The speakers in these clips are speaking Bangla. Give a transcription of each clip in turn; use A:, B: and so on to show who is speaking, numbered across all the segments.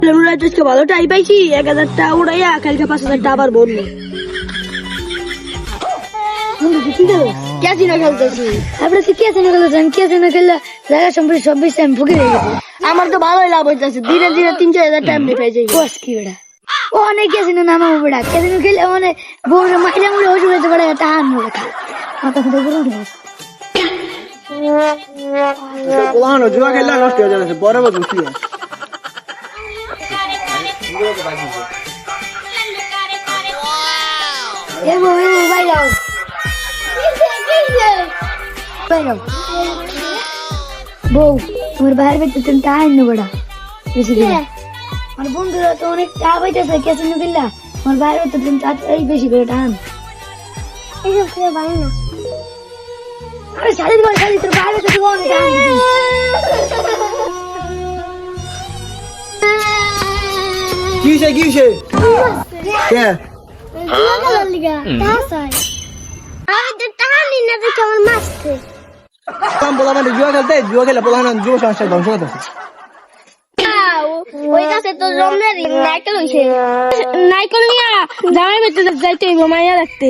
A: ভালো টাই পাইছি 1000 টাকা উড়াইয়া কালকে 5000 টাকা আবার বললো ক্যাসিনো খেলতেছি।
B: আপনার তো ক্যাসিনো খেলতেছেন, ক্যাসিনো খেললে জায়গা সম্পর্কে সব বেশি আমি ফুকে হয়ে গেছি।
A: আমার তো ভালোই লাভ হইতেছে, ধীরে ধীরে 3-4 টাইম পেয়ে যাই।
B: বস কি বেড়া ও অনেক ক্যাসিনো নামাবো বেড়া, ক্যাসিনো খেলে অনেক বউরে মাইলা মুড়ে ওষুধ হইতে পারে, টাহান মুড়ে খা মাথা ফুটে করে উঠে
C: পোলানো জুয়া খেললে নষ্ট হয়ে যাচ্ছে, পরে বুঝি
B: এ বউ ভাই যাও ভাই যাও বউ, তোমার বাইরে বেঁচে তুমি টাহান নো বেড়া বেশি করে। আমার বন্ধুরা তো অনেক টাকা পাইতেছে ক্যাসিনো খেললা, আমার বাইরে বেঁচে তুমি এই বেশি করে টাহান।
D: এইসব খেয়ে ভালো না।
B: আরে শাড়ির ঘর শাড়ি তোর বাইরে বেঁচে তুমি অনেক টাহান দিবি।
C: কিসে কিসে কে
D: জুয়া খেলার লিগা টাকা চাই। আমি তো টাকা নিই না, দেখে আমার মারছে।
C: পোলা মানে জুয়া খেলতে, জুয়া খেলে পোলানো যুব সংস্থা ধ্বংস করতেছে।
D: ওই গাছে তো জন্মের নাইকেল হইছে।
A: নাইকল নিয়া জামাই বেঁচে যাইতে হইব মাইয়া রাখতে।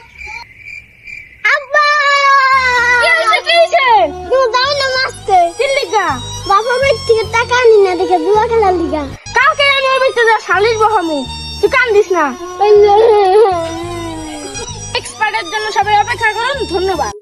D: আব্বা
A: কি হইছে কি হইছে?
D: তুমি যাও না মারছে।
A: চিল্লিগা
D: বাবা মার থেকে টাকা নিই না, দেখে জুয়া খেলার লিগা।
A: কালকে আমি ওই বেঁচে যা শালিশ বহামু, তুই কান্দিস না। এক্সপার্টের জন্য সবাই অপেক্ষা করুন, ধন্যবাদ।